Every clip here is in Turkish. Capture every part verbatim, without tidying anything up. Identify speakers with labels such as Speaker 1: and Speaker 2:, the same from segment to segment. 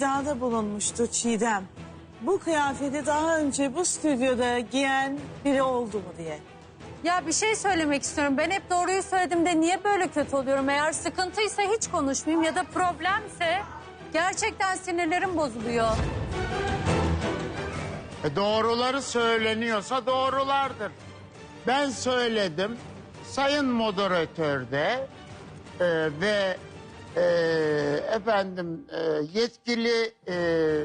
Speaker 1: iddiada bulunmuştu Çiğdem. Bu kıyafeti daha önce bu stüdyoda giyen biri oldu mu diye.
Speaker 2: Ya bir şey söylemek istiyorum. Ben hep doğruyu söyledim de niye böyle kötü oluyorum? Eğer sıkıntıysa hiç konuşmayayım ya da problemse gerçekten sinirlerim bozuluyor.
Speaker 3: E doğruları söyleniyorsa doğrulardır. Ben söyledim. Sayın moderatör de e, ve e, efendim e, yetkili e,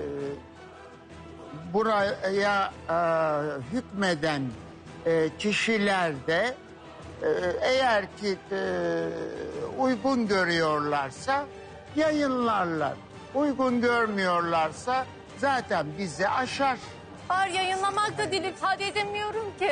Speaker 3: buraya e, hükmeden e, kişiler de e, eğer ki e, uygun görüyorlarsa yayınlarlar. Uygun görmüyorlarsa zaten bizi aşar.
Speaker 2: Var yayınlamak da dil ifade edemiyorum ki.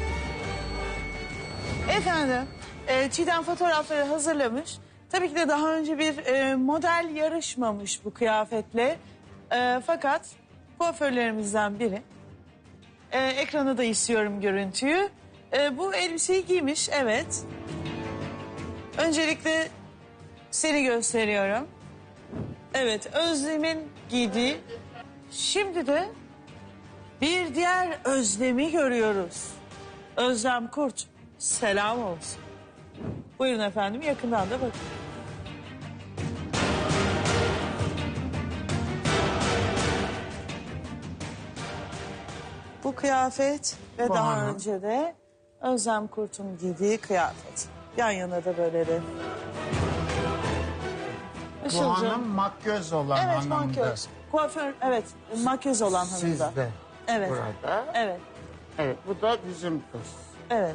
Speaker 1: Efendim, e, Çiğdem fotoğrafları hazırlamış. Tabii ki de daha önce bir e, model yarışmamış bu kıyafetle. E, fakat kuaförlerimizden biri. E, ekrana da istiyorum görüntüyü. E, bu elbiseyi giymiş, evet. Öncelikle seni gösteriyorum. Evet, Özlem'in giydiği. Şimdi de bir diğer Özlem'i görüyoruz. Özlem Kurt. Selam olsun. Buyurun efendim, yakından da bakın. Bu kıyafet ve
Speaker 3: Bu
Speaker 1: daha
Speaker 3: hanım.
Speaker 1: önce de Özlem Kurt'un giydiği kıyafet. Yan yana da böyle de.
Speaker 3: Bu
Speaker 1: Işılcığım.
Speaker 3: hanım makyöz olan
Speaker 1: Evet,
Speaker 3: hanımdı.
Speaker 1: makyöz. Kuaför, evet, makyöz olan hanımda.
Speaker 3: Sizde.
Speaker 1: Evet.
Speaker 3: Burada.
Speaker 1: Evet,
Speaker 3: Evet, bu da bizim kız.
Speaker 1: evet.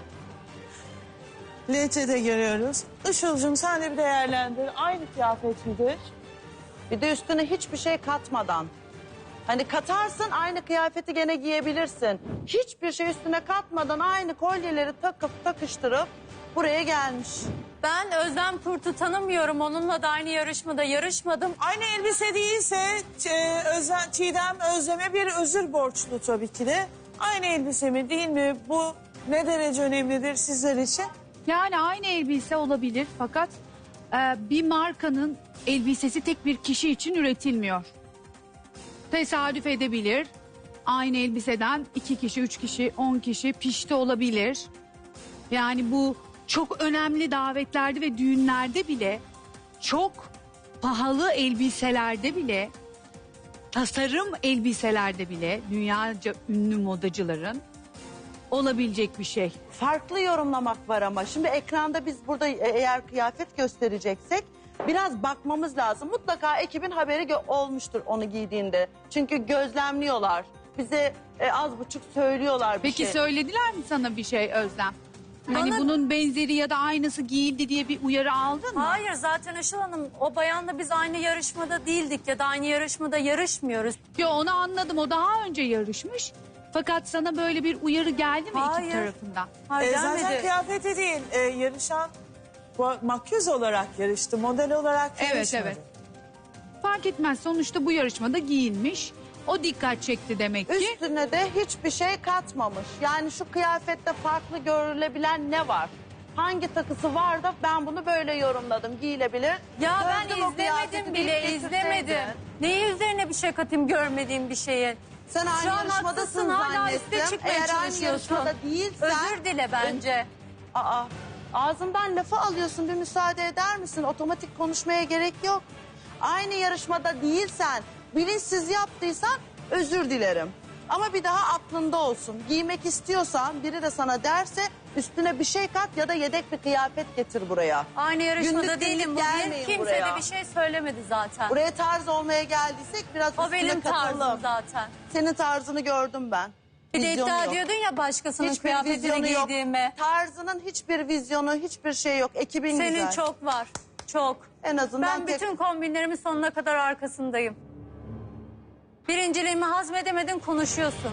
Speaker 1: L T de görüyoruz. Işıl'cığım sen de bir değerlendir. Aynı kıyafet midir?
Speaker 4: Bir de üstüne hiçbir şey katmadan. Hani katarsın aynı kıyafeti gene giyebilirsin. Hiçbir şey üstüne katmadan aynı kolyeleri takıp takıştırıp buraya gelmiş.
Speaker 2: Ben Özlem Kurt'u tanımıyorum. Onunla da aynı yarışmada yarışmadım.
Speaker 1: Aynı elbise değilse e, Özlem, Çiğdem Özlem'e bir özür borçlu tabii ki de. Aynı elbise mi değil mi? Bu ne derece önemlidir sizler için?
Speaker 5: Yani aynı elbise olabilir fakat e, bir markanın elbisesi tek bir kişi için üretilmiyor. Tesadüf edebilir. Aynı elbiseden iki kişi, üç kişi, on kişi pişti olabilir. Yani bu çok önemli davetlerde ve düğünlerde bile, çok pahalı elbiselerde bile, tasarım elbiselerde bile dünyaca ünlü modacıların olabilecek bir şey.
Speaker 4: Farklı yorumlamak var ama şimdi ekranda biz burada e- eğer kıyafet göstereceksek biraz bakmamız lazım. Mutlaka ekibin haberi gö- olmuştur onu giydiğinde. Çünkü gözlemliyorlar. Bize e, az buçuk söylüyorlar bir
Speaker 5: Peki
Speaker 4: şey.
Speaker 5: söylediler mi sana bir şey Özlem? Hani
Speaker 2: Bana-
Speaker 5: bunun benzeri ya da aynısı giyildi diye bir uyarı aldın mı?
Speaker 2: Hayır zaten Işıl Hanım o bayanla biz aynı yarışmada değildik ya da aynı yarışmada yarışmıyoruz.
Speaker 5: Yo, onu anladım, o daha önce yarışmış. Fakat sana böyle bir uyarı geldi mi
Speaker 2: Hayır.
Speaker 5: ekip tarafından?
Speaker 2: Hayır
Speaker 1: E, zaten
Speaker 2: gelmedi.
Speaker 1: kıyafeti değil, e, yarışan bu- makyöz olarak yarıştı, model olarak
Speaker 5: Evet,
Speaker 1: yarışmadı.
Speaker 5: evet. Fark etmez, sonuçta bu yarışmada giyinmiş. O dikkat çekti demek ki.
Speaker 4: Üstüne de hiçbir şey katmamış. Yani şu kıyafette farklı görülebilen ne var? Hangi takısı var da ben bunu böyle yorumladım. Giyilebilir.
Speaker 2: Ya
Speaker 4: Gördüm
Speaker 2: ben
Speaker 4: o kıyafeti
Speaker 2: izlemedim
Speaker 4: giyip
Speaker 2: bile
Speaker 4: getirseydin.
Speaker 2: izlemedim. Neyi üzerine bir şey katayım görmediğim bir şeyi.
Speaker 4: Sen aynı
Speaker 2: Şu an
Speaker 4: yarışmadasın
Speaker 2: haklısın, hala üste
Speaker 4: zannettim.
Speaker 2: çıkmaya
Speaker 4: Eğer aynı
Speaker 2: çalışıyorsun.
Speaker 4: yarışmada değilsen...
Speaker 2: Özür dile bence.
Speaker 4: Aa, ağzımdan lafı alıyorsun, bir müsaade eder misin? Otomatik konuşmaya gerek yok. Aynı yarışmada değilsen, bilinçsiz yaptıysan özür dilerim. Ama bir daha aklında olsun. Giymek istiyorsan biri de sana derse üstüne bir şey kat ya da yedek bir kıyafet getir buraya.
Speaker 2: Aynı yarışmada
Speaker 4: Günlük
Speaker 2: değilim
Speaker 4: günlük
Speaker 2: bugün.
Speaker 4: gelmeyin
Speaker 2: Kimse
Speaker 4: buraya.
Speaker 2: de bir şey söylemedi zaten.
Speaker 4: Buraya tarz olmaya geldiysek biraz
Speaker 2: O
Speaker 4: üstüne
Speaker 2: benim
Speaker 4: katalım.
Speaker 2: tarzım zaten.
Speaker 4: Senin tarzını gördüm ben.
Speaker 2: Bir de
Speaker 4: Vizyonu
Speaker 2: iddia
Speaker 4: yok.
Speaker 2: ediyordun ya başkasının
Speaker 4: Hiçbir
Speaker 2: kıyafetini
Speaker 4: vizyonu yok.
Speaker 2: giydiğimi.
Speaker 4: Tarzının hiçbir vizyonu, hiçbir şey yok. Ekibin
Speaker 2: Senin
Speaker 4: güzel.
Speaker 2: çok var. Çok.
Speaker 4: En azından
Speaker 2: Ben
Speaker 4: tek-
Speaker 2: bütün kombinlerimin sonuna kadar arkasındayım. Birinciliğimi hazmedemedin konuşuyorsun.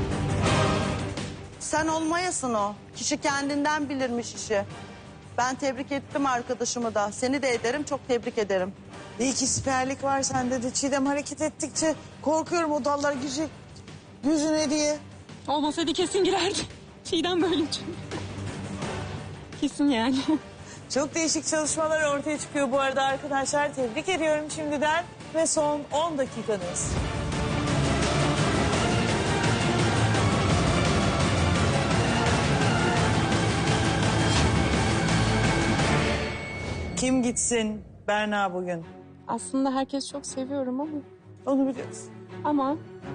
Speaker 4: Sen olmayasın o. Kişi kendinden bilirmiş işi. Ben tebrik ettim arkadaşımı da. Seni de ederim, çok tebrik ederim.
Speaker 1: Bir iki siperlik var sende de. Çiğdem hareket ettikçe korkuyorum o dallar girecek yüzüne diye.
Speaker 6: Olmasaydı kesin girerdi. Çiğdem böyle çünkü. Kesin yani.
Speaker 1: Çok değişik çalışmalar ortaya çıkıyor bu arada arkadaşlar. Tebrik ediyorum şimdiden. ve son on dakikanız. Kim gitsin Berna bugün?
Speaker 6: Aslında herkes çok seviyorum ama
Speaker 1: Onu biliyoruz.
Speaker 6: ama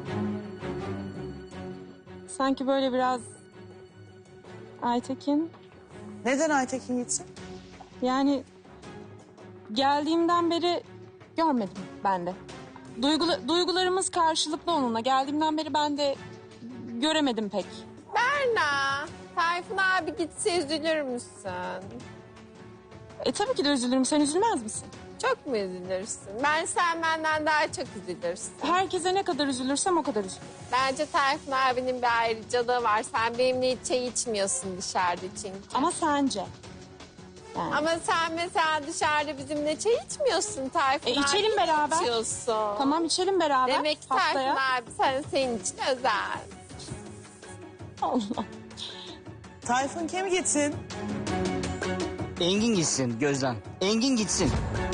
Speaker 6: sanki böyle biraz Aytekin,
Speaker 1: Neden Aytekin gitsin?
Speaker 6: yani geldiğimden beri görmedim ben de. Duygula- duygularımız karşılıklı onunla. Geldiğimden beri ben de göremedim pek.
Speaker 7: Berna, Tayfun abi gitse üzülür müsün?
Speaker 6: E tabii ki de üzülürüm. Sen üzülmez misin?
Speaker 7: Çok mu üzülürsün? Ben sen benden daha çok üzülürsün.
Speaker 6: Herkese ne kadar üzülürsem o kadar üzülürüm.
Speaker 7: Bence Tayfun abinin bir ayrıcalığı var. Sen benimle hiç çay içmiyorsun dışarıda çünkü.
Speaker 6: Ama sence? Yani.
Speaker 7: Ama sen mesela dışarıda bizimle çay içmiyorsun Tayfun
Speaker 6: E,
Speaker 7: abi.
Speaker 6: içelim beraber.
Speaker 7: İçiyorsun.
Speaker 6: Tamam içelim beraber.
Speaker 7: Demek ki
Speaker 6: haftaya.
Speaker 7: Tayfun abi sen, senin için özel.
Speaker 6: Allah.
Speaker 1: Tayfun kim gitsin?
Speaker 8: Engin gitsin Gözden. Engin gitsin.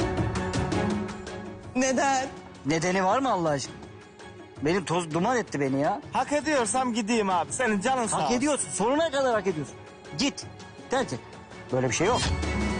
Speaker 1: Neden?
Speaker 8: Nedeni var mı Allah aşkına? Benim toz duman etti beni ya.
Speaker 9: Hak ediyorsam gideyim abi. Senin canın sağ
Speaker 8: Hak
Speaker 9: olsun.
Speaker 8: ediyorsun. Sonuna kadar hak ediyorsun. Git. Terk et. Böyle bir şey yok.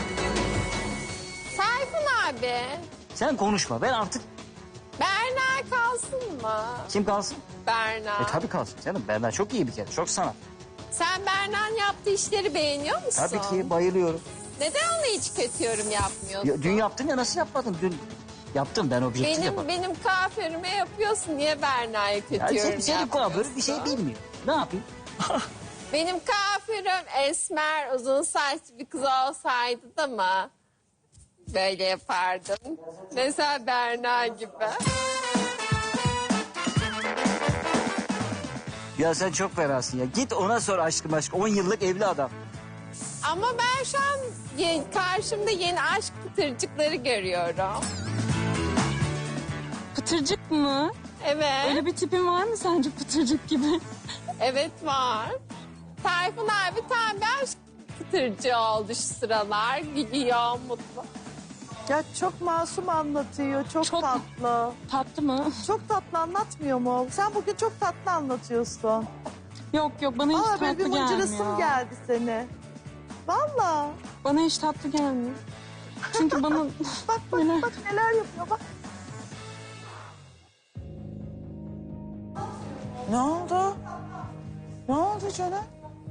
Speaker 7: Tayfun abi,
Speaker 8: Sen konuşma. Ben artık
Speaker 7: Berna kalsın mı?
Speaker 8: kim kalsın?
Speaker 7: Berna.
Speaker 8: E tabii kalsın canım. Benden çok iyi bir kere. Çok sanat.
Speaker 7: Sen Berna'nın yaptığı işleri beğeniyor musun?
Speaker 8: Tabii ki bayılıyorum.
Speaker 7: Neden ona hiç kötü yorum yapmıyorsun?
Speaker 8: Ya, dün yaptın ya nasıl yapmadın? Dün yaptım ben objektif
Speaker 7: Benim
Speaker 8: yaparım.
Speaker 7: benim kuaförüme yapıyorsun. Niye Berna'ya kötü
Speaker 8: Ya
Speaker 7: yorum
Speaker 8: sen, senin
Speaker 7: yapmıyorsun?
Speaker 8: kuaförün bir şey bilmiyor. Ne yapayım?
Speaker 7: Benim kuaförüm esmer, uzun saçlı bir kız olsaydı da mı böyle yapardım? Mesela Berna gibi.
Speaker 8: Ya sen çok fenasın ya. Git ona sor aşkım aşk. on yıllık evli adam.
Speaker 7: Ama ben şu an ye- karşımda yeni aşk pıtırcıkları görüyorum.
Speaker 6: Pıtırcık mı?
Speaker 7: Evet.
Speaker 6: Öyle bir tipin var mı sence pıtırcık gibi?
Speaker 7: Evet var. Tayfun abi tam bir aşk pıtırcığı oldu şu sıralar. Gülüyor, mutlu.
Speaker 4: Ya çok masum anlatıyor, çok,
Speaker 6: Çok-
Speaker 4: tatlı.
Speaker 6: Tatlı mı?
Speaker 4: Çok tatlı anlatmıyor mu? Sen bugün çok tatlı anlatıyorsun.
Speaker 6: Yok yok bana hiç
Speaker 4: Aa böyle
Speaker 6: tatlı
Speaker 4: bir mıncırısın
Speaker 6: gelmiyor.
Speaker 4: geldi seni. Vallahi.
Speaker 6: Bana hiç tatlı gelmiyor. Çünkü bana...
Speaker 4: Bak bak
Speaker 6: Neler?
Speaker 4: bak neler yapıyor bak.
Speaker 1: Ne oldu? Ne oldu canım?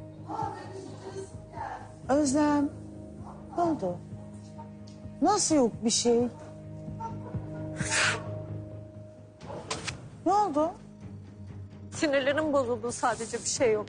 Speaker 1: Özlem. Ne oldu? Nasıl yok bir şey? Ne oldu?
Speaker 2: Sinirlerim bozuldu, sadece bir şey yok.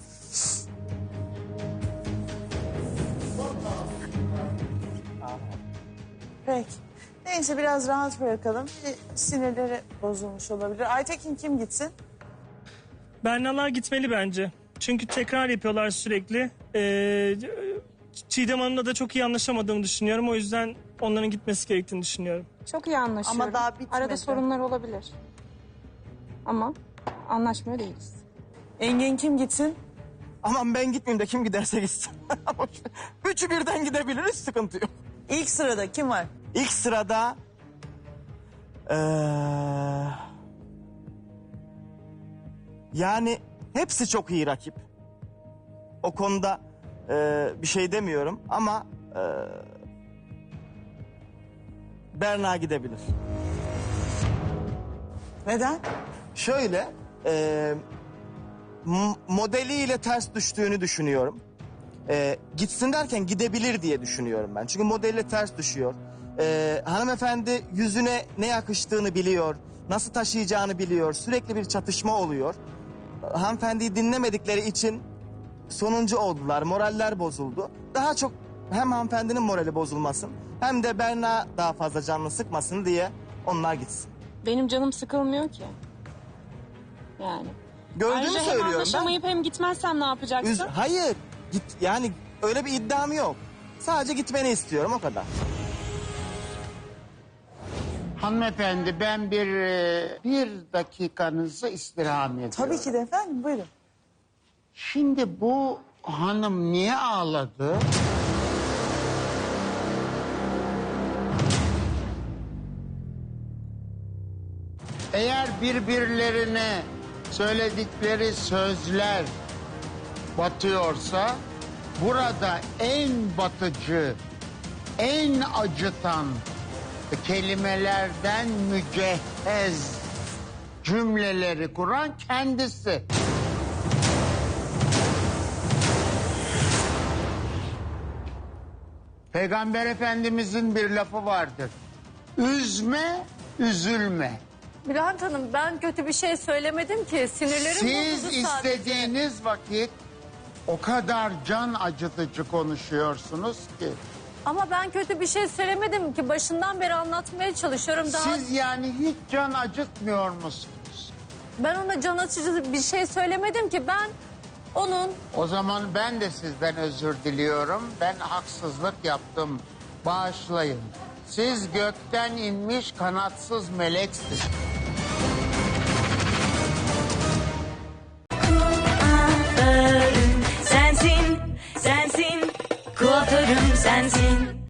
Speaker 1: Peki. Neyse biraz rahat bırakalım. Bir sinirleri bozulmuş olabilir. Aytekin kim gitsin?
Speaker 10: Bernalar gitmeli bence. Çünkü tekrar yapıyorlar sürekli. Ee, Çiğdem Hanım'la da çok iyi anlaşamadığımı düşünüyorum. O yüzden onların gitmesi gerektiğini düşünüyorum.
Speaker 6: Çok iyi anlaşıyorum.
Speaker 4: Ama daha bitmedi.
Speaker 6: Arada sorunlar olabilir. Ama anlaşmıyor değiliz.
Speaker 1: Engin kim gitsin?
Speaker 9: Aman ben gitmeyeyim de kim giderse gitsin. Boş ver. Üçü birden gidebiliriz, sıkıntı yok.
Speaker 1: İlk sırada kim var?
Speaker 9: İlk sırada... eee, yani hepsi çok iyi rakip. O konuda eee, bir şey demiyorum ama... eee, Berna gidebilir.
Speaker 1: Neden?
Speaker 9: Şöyle, e, m- modeliyle ters düştüğünü düşünüyorum. E, gitsin derken gidebilir diye düşünüyorum ben. Çünkü modeliyle ters düşüyor. E, hanımefendi yüzüne ne yakıştığını biliyor, nasıl taşıyacağını biliyor. Sürekli bir çatışma oluyor. Hanımefendiyi dinlemedikleri için sonuncu oldular, moraller bozuldu. Daha çok hem hanımefendinin morali bozulmasın hem de Berna daha fazla canını sıkmasın diye onlar gitsin.
Speaker 6: Benim canım sıkılmıyor ki. Yani.
Speaker 9: Gördüğümü
Speaker 6: Ayrıca hem
Speaker 9: söylüyorum ben.
Speaker 6: anlaşamayıp hem gitmezsem ne yapacaksın?
Speaker 9: Üz- Hayır. Git yani öyle bir iddiam yok. Sadece gitmeni istiyorum o kadar.
Speaker 3: Hanımefendi ben bir e, bir dakikanızı istirham ediyorum.
Speaker 1: Tabii ki de efendim buyurun.
Speaker 3: Şimdi bu hanım niye ağladı? Eğer birbirlerine söyledikleri sözler batıyorsa burada en batıcı, en acıtan kelimelerden mücehhez cümleleri kuran kendisi. Peygamber Efendimizin bir lafı vardır. Üzme, üzülme.
Speaker 2: Bülent Hanım ben kötü bir şey söylemedim ki. Sinirlerim
Speaker 3: Siz
Speaker 2: bozuldu sadece.
Speaker 3: istediğiniz vakit o kadar can acıtıcı konuşuyorsunuz ki.
Speaker 2: Ama ben kötü bir şey söylemedim ki. Başından beri anlatmaya çalışıyorum. Daha
Speaker 3: Siz yani hiç can acıtmıyor musunuz?
Speaker 2: ben ona can açıcı bir şey söylemedim ki. Ben onun
Speaker 3: O zaman ben de sizden özür diliyorum. Ben haksızlık yaptım. Bağışlayın. Siz gökten inmiş kanatsız meleksiniz.
Speaker 11: Kuaförüm sensin, sensin. Kuaförüm sensin.